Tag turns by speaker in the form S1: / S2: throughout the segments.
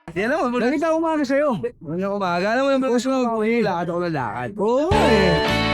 S1: Yan naman.
S2: Nakita ko umaga sa'yo.
S1: Ano umaga? Alam mo naman gusto mo lakad ako na lakad.
S2: Oo eh.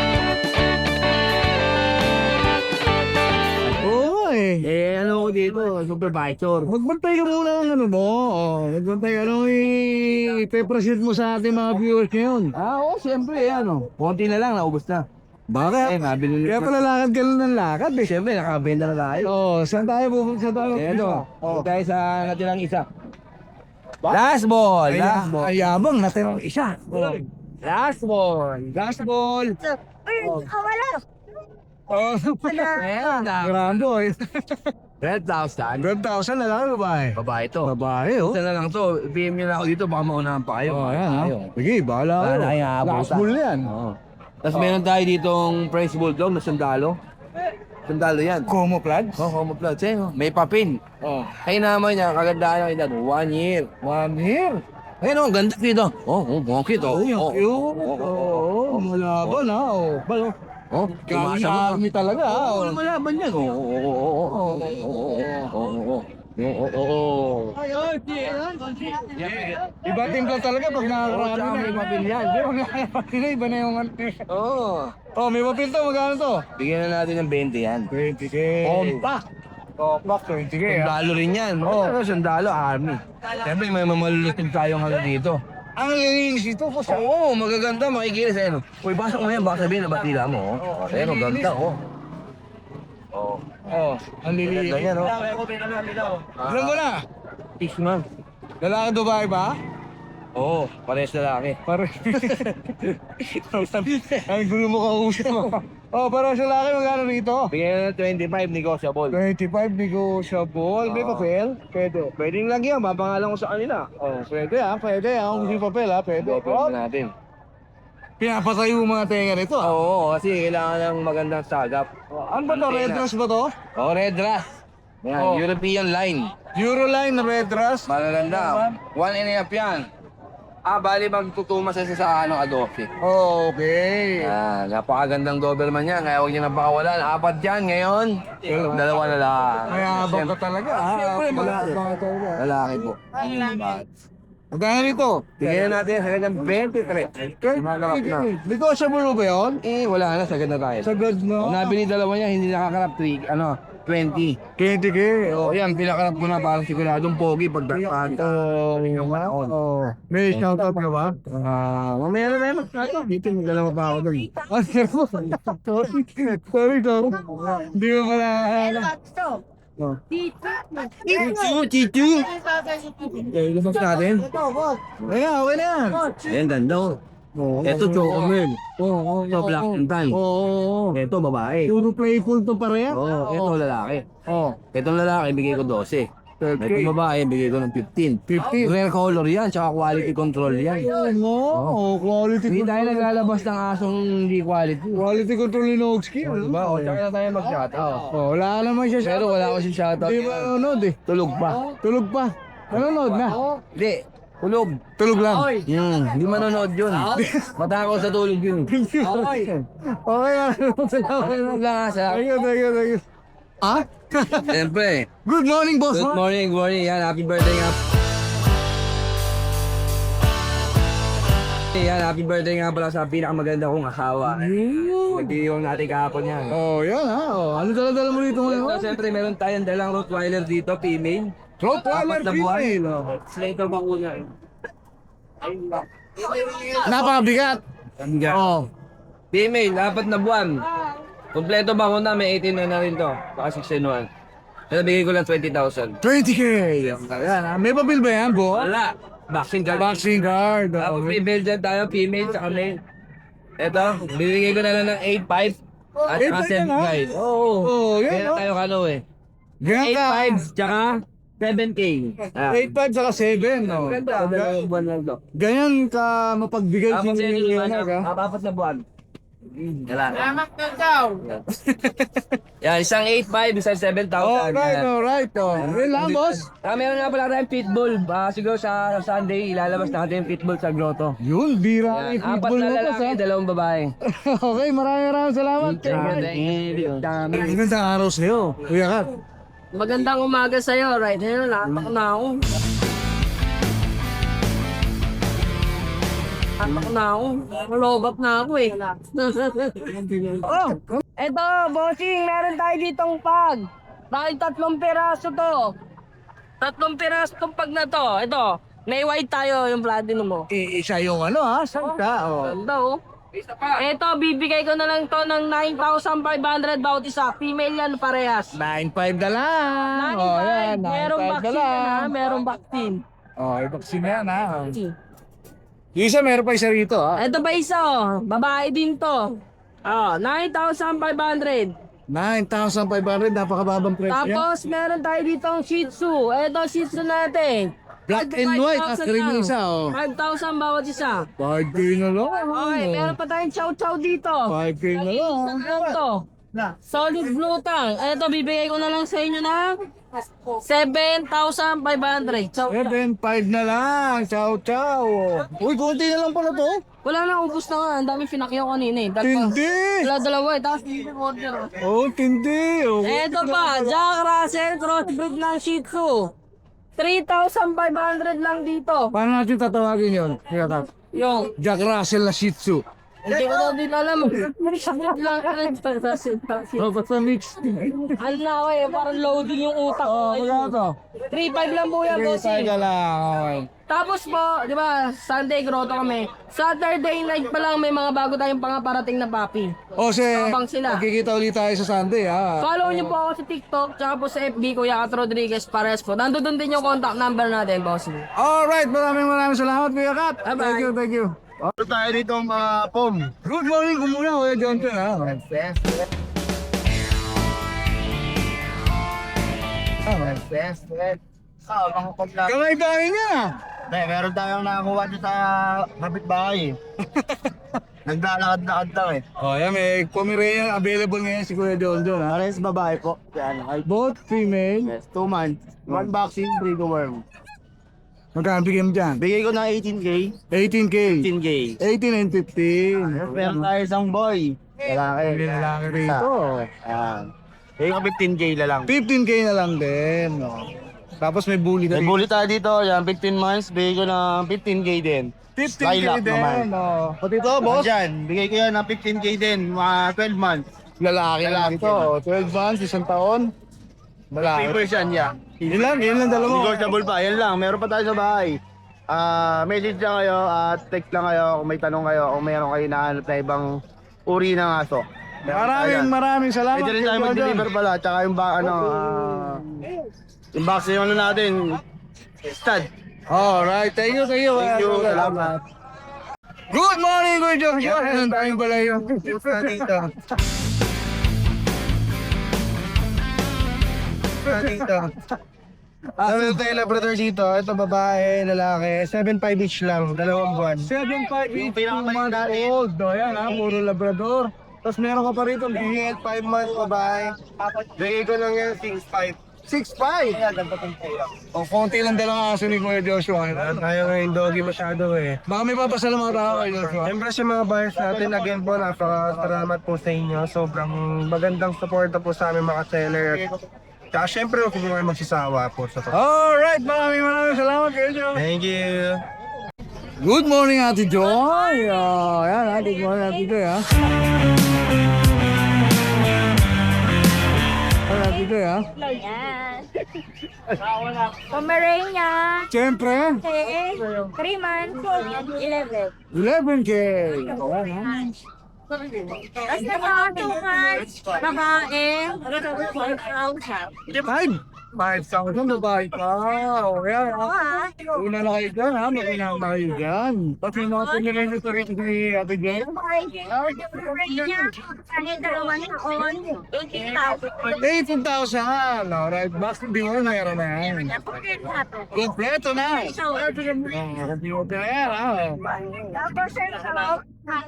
S2: Oo eh.
S1: Eh, ano ko dito? Supervisor.
S2: Magbantay ka muna ng ano mo. Magbantay ka nung i-present mo sa ating mga viewers ngayon.
S1: Oo, siyempre, ano. Konti na lang, naubos na.
S2: Bakit?
S1: Nabili
S2: Kaya pala lakad ka lang ng lakad eh.
S1: Siyempre, nakabenta na tayo.
S2: Saan tayo pupunta? Saan tayo?
S1: Eto, tayo sa natirang isa. Last ball! Last ball!
S2: Ayabang, natirang isa.
S1: Last ball! Last ball!
S3: Wala.
S2: Oh,
S1: Ayan na.
S2: grando eh.
S1: 12,000.
S2: 12,000 na lang babae.
S1: Babae to.
S2: Babae oh.
S1: Isa na lang to. PM nyo na ako dito, baka maunahan pa kayo.
S2: Oh, ayan ha. Sige, bahala
S1: Wala
S2: kayo.
S1: na kayong abutan.
S2: Last bull yan.
S1: Oo. Tapos meron tayo ditong French Bulldog na sandalo. Sandalo yan.
S2: Como plans?
S1: Oh, homoplot. May papin.
S2: Oh.
S1: Ay naman niya, kagandaan yung edad. 1 year.
S2: 1 year.
S1: Ayun oh, ganda dito. Bukit oh.
S2: Oo, malaban ha. Oh, balo.
S1: Oh,
S2: Kami army talaga ha.
S1: Oo, malaban yan.
S2: Iba timpla talaga pag nakakarami na.
S1: May papel yan.
S2: Hindi, pag nakakarami na, iba na yung ano.
S1: Oo.
S2: Oh, may papel to, magkano to?
S1: Bigyan na natin ng 20 yan.
S2: 20k.
S1: Compact.
S2: Compact, 20k ha.
S1: Sandalo rin yan. Oo, sandalo, army. Siyempre, may mamalulutin tayong ano dito.
S2: Ang linis ito po sa...
S1: Oo, magaganda, makikinis. Ayun. Uy, basok mo yan, baka sabihin na batila mo. Ayun, ganda, oh. Oo.
S2: Oh, ang linis.
S1: Ganda yan, oh.
S2: Alam mo na,
S1: 6 months.
S2: lalaki Dubai ba?
S1: Oo, parehas lalaki.
S2: Pare. Ang gulo mo kausap mo. Oh, para sa laki, magkano rito?
S1: Bigyan na ng 25, negotiable.
S2: 25 negotiable. May papel? Pwede.
S1: Pwedeng lagyan, mapangalan ko sa kanila.
S2: Oh, pwede ha, pwede ha. Kung may papel ha, pwede.
S1: Pwede natin.
S2: Pinapatayo yung mga tenga nito ha.
S1: Oo, kasi kailangan ng magandang sagap.
S2: Ano ba to? Red dress ba to?
S1: Oo, red dress. Yan,
S2: Oh.
S1: European line.
S2: Euroline na red dress.
S1: Magaganda. 1.5 yan. Bali magtutuma sa adoption.
S2: Oh, okay.
S1: Napakagandang Doberman yan, kaya huwag niyo nang pakawalan. 4 yan ngayon, 2 na lang.
S2: May habang ka talaga ha.
S1: Siyempre,
S2: Malaki talaga.
S1: Lalaki po.
S2: Magkano rito?
S1: Tingnan natin sa kanyang 23. Magalap na.
S2: Negotiable ba yun?
S1: Wala na, sagad na tayo.
S2: Sagad na.
S1: Nabili dalawa niya, hindi nakakarap 20.
S2: 20k.
S1: Oh, yan, pinakarap ko na parang siguradong pogi pagdakpan.
S2: Oh. May shoutout ka ba?
S1: Mamaya na meron. Dito, dalawa pa ako doon.
S2: Sorry. Hindi mo pala.
S1: Chichu! Okay, lumabas natin.
S2: Ayan, okay na yan.
S1: Ayan, ganda oh. Ito, Chocomel. Ito, Black and Tan.
S2: Oo.
S1: Ito, babae.
S2: Puro playful to pareha.
S1: Ito, lalaki.
S2: Oh.
S1: Itong lalaki, bigay ko 12. Itong babae, bigay ko ng 15.
S2: 15.
S1: Rare color yan, tsaka quality control yan.
S2: Oh, quality
S1: Hindi
S2: control.
S1: tayo naglalabas ng asong hindi quality.
S2: Quality control ni Nogsky.
S1: Diba? O, tsaka na tayo mag-shoutout.
S2: Oh, wala ka naman siya
S1: Pero wala ko siyang shoutout.
S2: Hindi ba nanonood eh?
S1: Tulog pa.
S2: Tulog pa. Nanonood na.
S1: Hindi, tulog.
S2: Tulog lang.
S1: Hindi manonood yun. Matakaw sa tulog yun.
S2: Okay. Okay
S1: Lang sa.
S2: Thank you. Ah?
S1: Siyempre.
S2: Good morning, boss.
S1: Good morning, good morning. Yan, happy birthday nga. Yan, happy birthday nga pala sa pinakamaganda kong asawa. Nag-iiwang natin kahapon yan.
S2: Oh, yan ha. Oh, ano dala-dala mo dito
S1: So,
S2: ngayon?
S1: siyempre, meron tayong dalang Rottweiler dito, female.
S2: Rottweiler
S1: Apat na buwan.
S2: female. Oh.
S1: Slater bakuna.
S2: Napakabigat. Oh.
S1: Female, 4 na buwan. Kompleto bakuna, may 18 na rin to. Baka 16 Pero bigay ko lang 20,000.
S2: 20k. Yan ha. May papel ba yan, bo?
S1: Wala. Vaccine card.
S2: Vaccine card.
S1: Tapos
S2: Okay.
S1: female dyan tayo, female sa male. Ito, bibigay ko na lang ng 8.5 at saka
S2: 8.5 na
S1: 7
S2: nga.
S1: guys.
S2: Oh, yan
S1: Kaya
S2: ha.
S1: tayo kano eh.
S2: Ganyan ka.
S1: 8.5 tsaka 7K.
S2: 8.5 saka 7, no?
S1: Ganda. Dalawang buwan lang to.
S2: Ganyan ka mapagbigay
S1: Apat
S2: si Liwanag, ha?
S1: Apat na buwan. Salamat ka daw. Yan, isang 8.5, isang 7,000.
S2: Alright. Oh. Yun lang, boss.
S1: Meron nga pala tayong pitbull. Siguro sa Sunday, ilalabas natin yung pitbull sa grotto.
S2: Yun, bira
S1: Yan,
S2: yung
S1: 4
S2: football
S1: na
S2: mo, boss,
S1: lalaki,
S2: ha?
S1: 2 babae.
S2: Okay, maraming salamat.
S1: Dami.
S2: Magandang araw sa'yo, Kuya Kat.
S3: Magandang umaga sa'yo, right? Ngayon, lahat na ako. Anak na ako. Malobap na ako eh. Oh, eto, bossing, meron tayo ditong pag. Dahil 3 piraso to. 3 piraso tong pag na to. Ito, may white tayo yung platinum mo.
S2: Isa yung ano ha, sangka. Oh.
S3: Ganda oh. Ito, bibigay ko na lang to ng 9,500 bawat isa. Female yan parehas.
S2: 9.5 na lang.
S3: 9,500.
S2: Oh, yan, 9.5
S3: Merong
S2: na
S3: vaccine
S2: lang.
S3: yan ha. Merong vaccine.
S2: Oh, i-vaccine na yan ha. Yung isa, meron pa isa rito ha.
S3: Ito pa isa oh. Babae din to. Oh, 9,500.
S2: 9,500, napakababang presyo yan.
S3: Tapos meron tayo ditong Shih Tzu. Ito Shih Tzu natin.
S2: Black and white, at cream yung isa oh.
S3: 5,000 bawat isa.
S2: 5K na lang.
S3: Okay, meron pa tayong chow chow dito.
S2: 5K na lang.
S3: Ano to? Solid blue tang. Ito, bibigay ko na lang sa inyo ng 7,500. Chow chow.
S2: 7.5 na lang. Chow chow. Uy, konti na lang pala to.
S3: Wala na, ubus na nga. Ang daming pinakyaw kanina eh.
S2: Tindi.
S3: Dalawa eh. Tapos hindi order.
S2: Oh, tindi. Oh.
S3: Ito pa, Jack Russell crossbreed ng Shih Tzu. 3,500 lang dito.
S2: Paano natin tatawagin yun?
S3: Yung,
S2: Jack Russell na Shih Tzu.
S3: hindi ko na din alam. Sakit lang.
S2: Oh, basta mix.
S3: Ano na ako eh, parang loading yung utak
S2: Oh,
S3: ko.
S2: magkano to?
S3: 3,500 lang po yan, bossing.
S2: Ka lang. Okay.
S3: Tapos po, di ba, Sunday grotto kami. Saturday night pa lang may mga bago tayong pangaparating na papi.
S2: O,
S3: Abang sila.
S2: magkikita ulit tayo sa Sunday, ha?
S3: Follow niyo po ako sa TikTok, tsaka po sa FB, Kuya Kat Rodriguez Pares po. Nandun din yung contact number natin, bossing.
S2: Alright, maraming salamat, Kuya Kat.
S3: Bye-bye.
S2: Thank you.
S4: Ito tayo dito mga pom.
S2: Good morning, kumuna, Kuya Johnson, ha?
S4: Mga pagla.
S2: Kamay tayo niya.
S4: Meron tayong nakakuha dito sa kapitbahay. Naglalakad-lakad lang eh.
S2: Oh, yan, may Pomeranian available ngayon si Kuya Johnson, ha?
S4: Pares babae po. Yan.
S2: Both female.
S4: Yes, 2 months. 1 vaccine, 3 to worm.
S2: Magkano bigyan mo dyan?
S4: Bigay ko ng 18K.
S2: 18K.
S4: 18K.
S2: 18 and 15.
S4: Meron tayo isang boy. Lalaki.
S2: May lalaki rito.
S4: Ayan. Bigay ko 15K na lang.
S2: 15K na lang din. No? Tapos may bully na
S4: May
S2: rin.
S4: bully tayo dito. Yan, 15 months. Bigay ko ng 15K din.
S2: 15K
S4: Lilac
S2: din.
S4: naman.
S2: No? Pati ito, boss.
S4: Diyan, bigay ko yan ng 15K din. Mga 12 months.
S2: Lalaki lang ito. 12 months, isang taon. Lalaki.
S4: Papers yan, yeah.
S2: Yun lang dalawa.
S4: Negotiable pa, yan lang. Meron pa tayo sa bahay. Message lang kayo at text lang kayo kung may tanong kayo kung mayroon kayo nahanap na ibang uri ng aso.
S2: Maraming salamat.
S4: Pwede rin tayo
S2: Kuya Jordan.
S4: mag-deliver pala. Tsaka yung yung box yung ano natin. Stud.
S2: Alright, thank you.
S4: Thank you, salamat.
S2: Good morning, Kuya Joshua. Ano tayong pala yung dito? Dito.
S4: Ano tayo Labrador dito? Ito babae, lalaki. 7.5 each lang, 2 buwan.
S2: 7.5
S4: Yung
S2: each, 2
S4: pinakamaliit
S2: months
S4: natin.
S2: old. O yan ha, puro Labrador. Tapos meron ka pa rito,
S4: Bigay 5 months babae. Bigay ko lang yan 6.5.
S2: 6'5".
S4: Ayan, dapat ang pula.
S2: O, konti lang dalang aso ni Kuya Joshua.
S4: Tayo ngayon doggy masyado eh.
S2: Baka may papasalamang tao kay Joshua.
S4: Siyempre sa mga buyers natin, again po, napakasalamat po sa inyo. Sobrang magandang suporta po sa aming mga seller. Tsaka siyempre, huwag po kayo magsasawa po sa
S2: Alright, maraming salamat Kuya Joshua.
S4: Thank you!
S2: Good morning, Ate Joy. Yan ha, good morning, Ate Joy ha. Ate Joy ha.
S5: Yan. Pomeranian.
S2: Siyempre,
S5: 3 months. 11.
S2: 11K.
S5: Tapos na mga 2 months. Babae. 5,000.
S2: 5,000 babae ka. O yan ha. Una na kayo dyan ha, makinang na kayo dyan. Tapos yung mga pinilin nyo rin ni Ate Joy.
S5: Pomeranian. Kaya 2 taon. 18,000.
S2: 18,000. Alright, bakit di mo mayroon na yan? Kompleto na. Kompleto na yan ha.
S5: Tapos sa loob.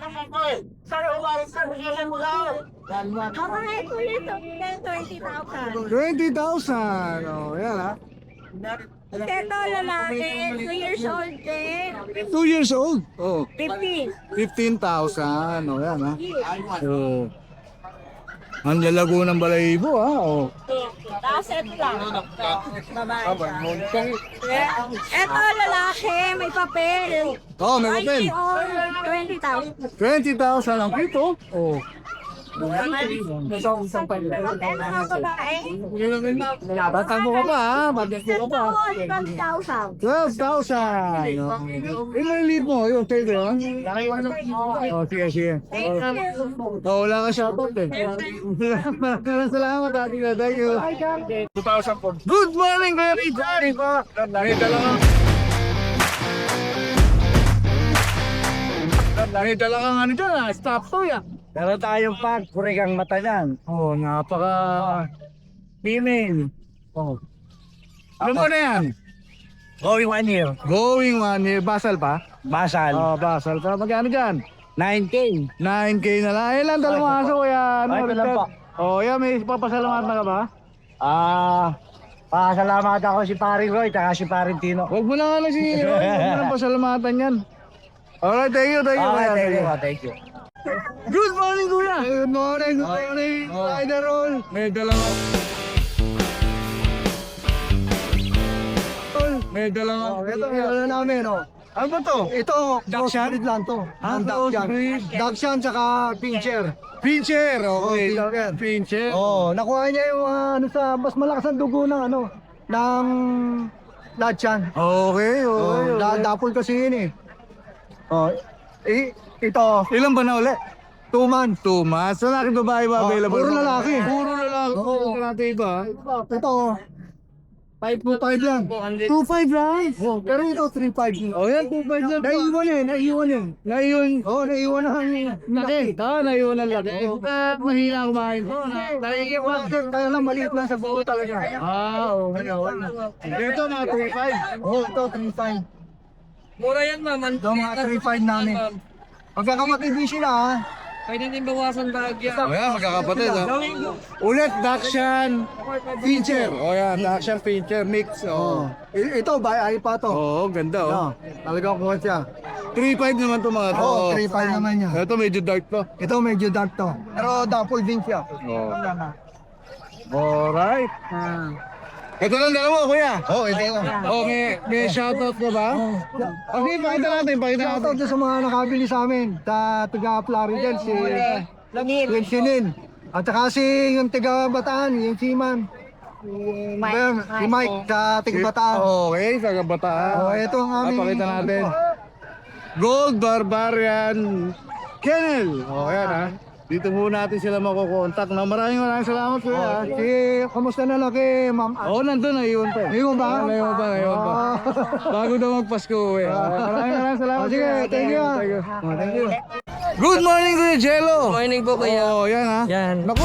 S5: Babae ko ito. 20,000.
S2: 20,000. O yan ha.
S5: Ito lalaki. 2 years old din.
S2: 2 years old. Oh,
S5: 15.
S2: 15,000. O yan ha. Oh. Ang lalago ng balahibo, ha? Oh.
S5: Tapos ito lang. Babae siya. Ito lalaki, may papel.
S2: Oh, may papel.
S5: 20,000.
S2: 20,000 ang kito. Oh.
S5: Ito ang babae.
S2: Batang mo ka pa, ha? Batang mo ka pa.
S5: 12,000.
S2: 12,000. Ilan lead mo? Yung tayo yun? Oh, sige. Oh, wala ka shoutout eh. Maraming salamat, Ate na. Thank you. 2,000 po. Good morning, Kuya Richard. Nakita lang ang ano dyan, ha? Stop to, ya.
S6: Meron tayong pag, kurigang mata yan.
S2: Oh, napaka female. Oh. Ano mo na yan?
S6: Going 1 year.
S2: Going 1 year. Basal pa?
S6: Basal.
S2: Oh, basal pa. Magkano dyan?
S6: 9K.
S2: 9K na lang. Ilan dalawang aso kaya?
S6: Ay, ito lang po.
S2: Oh, yan. May papasalamat na ka ba?
S6: Pasalamat ako si Paring Roy, taka si Paring Tino.
S2: Huwag mo na nga na si Roy. Huwag mo na pasalamatan yan. Alright, thank you. Kuya.
S6: Thank you.
S2: Good morning, Kuya. Good morning. Rider roll. May dalawang... May dalawang...
S4: Ito, ano namin, oh.
S2: Ano ba to?
S4: Ito, crossbreed lang to. Ang
S2: crossbreed.
S4: Dachshund tsaka pincher.
S2: Pincher. Okay.
S4: Pincher.
S2: Pincher.
S4: Oh, nakuha niya yung ano sa mas malakas ang dugo ng ano ng Dachshund.
S2: Okay.
S4: Oh, dapol kasi yun eh. Oh, ito,
S2: Ilan ba na uli?
S4: 2 months.
S2: 2 months. Lalaki babae ba available?
S4: puro lalaki.
S2: Puro lalaki.
S4: Oo.
S2: Ito natin iba.
S4: Ito, 5.5 lang. 2.5 lang? Oh, pero ito 3.5.
S2: Oh, yan. 2 months lang.
S4: Naiiwan yun.
S2: Naiyon.
S4: Oh, naiiwan na ang
S2: Laki. Naiyon ang laki. Mahina kumain ko.
S4: Naiiwan. Kaya lang maliit lang sa buo talaga.
S2: Okay. Ito mga 3.5.
S4: Oh, ito 3.5.
S3: Mura yan, ma'am.
S4: Ito mga 3.5 namin. Pagkakamatid din sila ha.
S3: Pwede din bawasan bahagya.
S2: Oh, yan. Magkakapatid. Ulit, Dachshund Pincher. Oh, yan. Dachshund Pincher. Mix. Oh.
S4: Ito, ay pa to.
S2: Oo, ganda oh.
S4: Talagang kuha siya.
S2: 3.5 naman to mga to.
S4: Oo, 3.5 naman niya.
S2: Ito medyo dark to.
S4: Ito medyo dark to. Pero dapol din siya.
S2: Oh. Alright. Ito lang dalawa, kuya.
S4: Oh, ito yun.
S2: Oh, may shoutout ka ba? Okay, pakita natin.
S4: Shoutout sa mga nakabili sa amin. Taga Plaridel, si Sinin. At saka si yung taga Bataan, yung Siman. Si Mike sa taga Bataan.
S2: Okay, sa kabataan.
S4: Oh, ito ang aming...
S2: Pakita natin. Gold Barbarian Kennel. Oh, yan ha. Dito muna natin sila makukontak. Maraming salamat kuya.
S4: Kamusta na lang kay Ma'am?
S2: Oo, nandun na iyon pa.
S4: Ngayon ba?
S2: Ngayon pa. Bago daw magpasko eh. Maraming salamat.
S4: Sige, thank you.
S2: Thank you. Good morning Kuya Jello.
S3: Morning po, kuya.
S2: Oh, yan ha.
S3: Yan.
S2: Naku.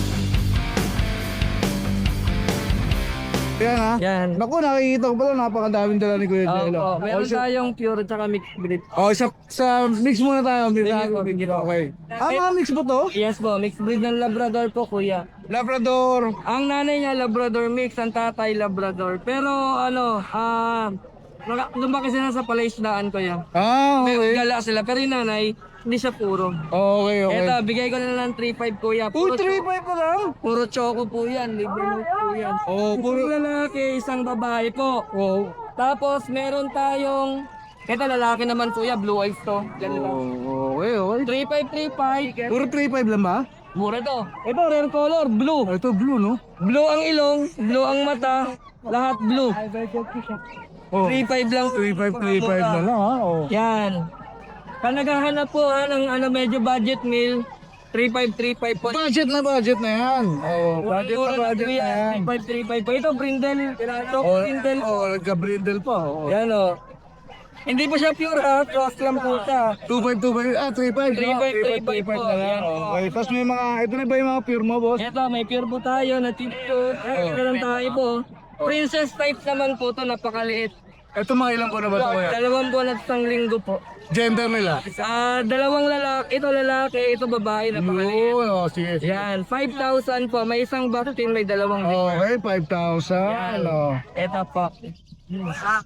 S2: Yan ha.
S3: Yan.
S2: Naku, nakikita ko pala napakadaming dala ni Kuya Jello.
S3: Opo, meron tayong pure at saka mixed breed.
S2: Oh, sa mix muna tayo.
S3: Sige po.
S2: Okay. Mga mix po to?
S3: Yes po, mixed breed ng Labrador po, kuya.
S2: Labrador.
S3: Ang nanay niya Labrador mix, ang tatay Labrador. Pero ano, lumaki sila sa palaisdaan, kuya.
S2: Okay.
S3: Gala sila, pero yung nanay, hindi siya puro.
S2: Okay.
S3: Eto, bigay ko na lang 3.5, kuya.
S2: Uy, 3.5 pa lang?
S3: Puro choco po yan, libre mo po yan.
S2: Oh,
S3: Puro lalaki, isang babae po.
S2: Oh.
S3: Tapos meron tayong, eto lalaki naman kuya, blue eyes to. Ganun lang.
S2: Okay.
S3: 3535.
S2: Puro 3.5 lang ba?
S3: Mura to. Ito, rare color, blue.
S2: Ito blue, no?
S3: Blue ang ilong, blue ang mata, lahat blue.
S2: Oh.
S3: 3.5 lang.
S2: 3.5 na lang, ha? Oh.
S3: Yan. Kung naghahanap po ng medyo budget meal, 3535 po.
S2: Budget na yan. Oh, budget na yan.
S3: 3535 po. Ito, brindle. Top brindle.
S2: Oh, nagka-brindle pa. Oh.
S3: Yan o. Hindi po siya pure ha, cross lang po siya.
S2: 2.5, 3.5.
S3: 3.5 po.
S2: na lang.
S3: Yan,
S2: Okay, tapos may mga, ito na ba yung mga pure mo, boss?
S3: Ito, may pure po tayo na tito. Ito lang tayo po. Princess type naman po to, napakaliit.
S2: Ito mga ilang po na ba ito, kuya?
S3: 2 buwan at 1 linggo po.
S2: Gender nila?
S3: Dalawang lalaki, ito babae, napakaliit.
S2: Oh, sige.
S3: Yan, 5,000 po. May isang vaccine, may dalawang
S2: Okay, 5,000. Oh.
S3: Ito po.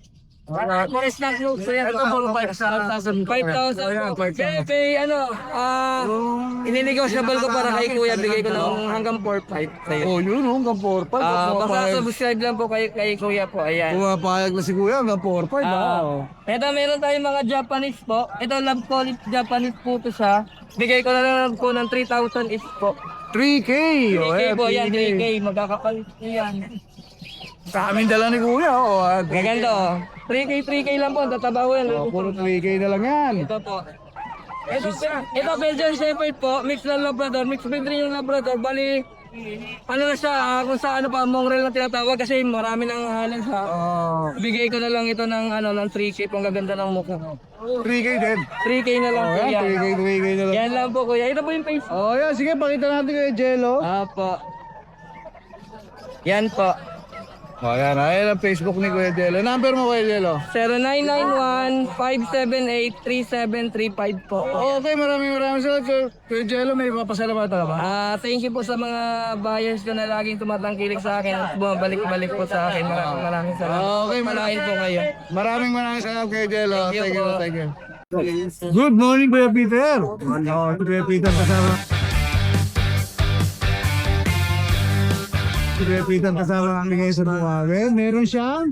S3: Pares na close. Ito, 5,000. 5,000. Kay ano, ininegosyable ko para kay kuya. Bigay ko ng hanggang 4,500 sa'yo.
S2: Oh, yun, hanggang 4-5.
S3: Basta subscribe lang po kay kuya po. Ayan.
S2: Pumapayag na si Kuya hanggang 4-5.
S3: Ito, meron tayong mga Japanese po. Ito, love call Japanese po to siya. Bigay ko na lang po ng 3,000 each po.
S2: 3K.
S3: 3K po yan, 3K. Magkakapalit yan.
S2: Sa amin dala ni Kuya.
S3: Gaganda oh. 3K lang po. Tatabaw yan.
S2: Puro 3K na lang yan.
S3: Ito po. Ito Belgian Shepherd po. Mix na Labrador. Mix breed rin yung Labrador. Bali, ano na siya, kung sa ano pa, mongrel na tinatawag kasi marami nang halan sa. Bigay ko na lang ito ng ano ng 3K pang gaganda ng mukha.
S2: 3K din.
S3: 3K na lang po yan.
S2: 3K na lang.
S3: Yan lang po kuya. Ito po yung face.
S2: Oh, yan. Sige, pakita natin kay Jello.
S3: Apo. Yan po.
S2: Oh, yan. Ayan ang Facebook ni Kuya Jello. Number mo, Kuya Jello.
S3: 0991-578-3735 po.
S2: Okay, maraming salamat. Kuya Jello, may papasalamatan ka ba?
S3: Thank you po sa mga buyers ko na laging tumatangkilik sa akin at bumabalik-balik po sa akin. Maraming salamat.
S2: Okay,
S3: Malain po kayo.
S2: Maraming salamat, Kuya Jello.
S3: Thank you po.
S2: Thank you. Good morning, Kuya Peter. Kuya Peter kasama. Kuya Peter kasama kami ngayon sa Bumawe. Meron siyang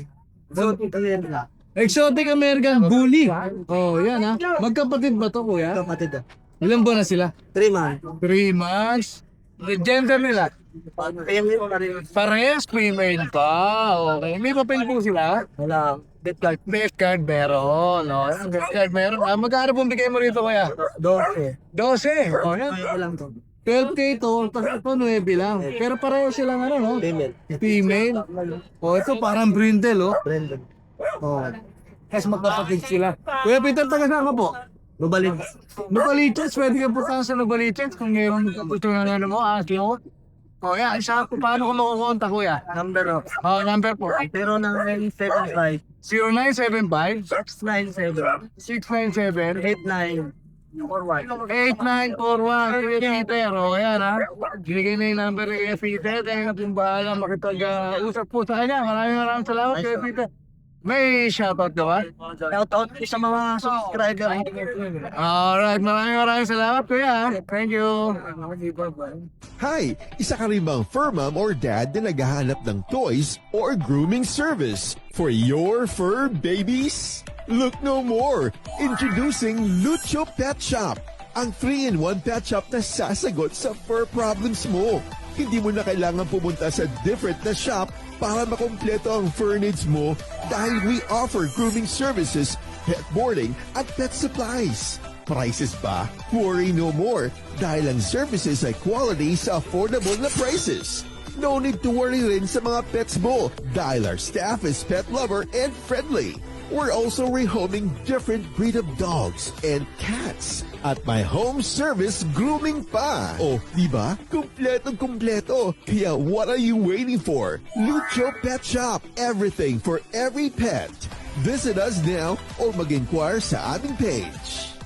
S2: Exotic American Bully. Oh, yan ha. Magkapatid ba to, Kuya?
S6: Kapatid.
S2: Ilang buwan na sila?
S6: 3 months.
S2: 3 months. The gender nila? Parehas female pa. Okay. May papel po sila?
S6: Wala. Death card.
S2: Death card meron. No? Death card meron. Magkano pong bigay mo rito, Kuya?
S6: 12.
S2: 12. Oh, yan.
S6: Kaya lang to.
S2: 12K to, tapos ito 9 lang. Pero pareho silang ano, no?
S6: Female.
S2: Female. Oh, ito parang brindle, oh.
S6: Brandon.
S2: Oh. Kasi magkapatid sila. Kuya Peter, taga saan ka po?
S6: Lubalin.
S2: Nubaliches, pwede ka punta sa Nubaliches kung mayroon gusto na ano mo, mo. Oh, yan. Isa, paano ko makukontak, Kuya?
S6: Number of.
S2: Oh, number po.
S6: 0975
S2: 0975
S6: 697
S2: 697
S6: 8941.
S2: 8941 Kuya Peter. O yan ha. Binigay na yung number ni Kuya Peter. Kaya na pong bahala makipag-usap po sa kanya. Maraming salamat Kuya Peter. May shoutout ka ba?
S6: Shoutout sa mga subscriber.
S2: Alright, maraming salamat Kuya. Thank you.
S7: Hi! Isa ka rin bang fur mom or dad na naghahanap ng toys or grooming service for your fur babies? Look no more! Introducing Lucho Pet Shop, ang 3-in-1 pet shop na sasagot sa fur problems mo. Hindi mo na kailangan pumunta sa different na shop para makompleto ang fur needs mo dahil we offer grooming services, pet boarding at pet supplies. Prices ba? Worry no more dahil ang services ay quality sa affordable na prices. No need to worry rin sa mga pets mo dahil our staff is pet lover and friendly. We're also rehoming different breed of dogs and cats at my home service grooming pa. Oh, diba? Kumpleto. Kaya what are you waiting for? Lucho Pet Shop. Everything for every pet. Visit us now or mag-inquire sa aming page.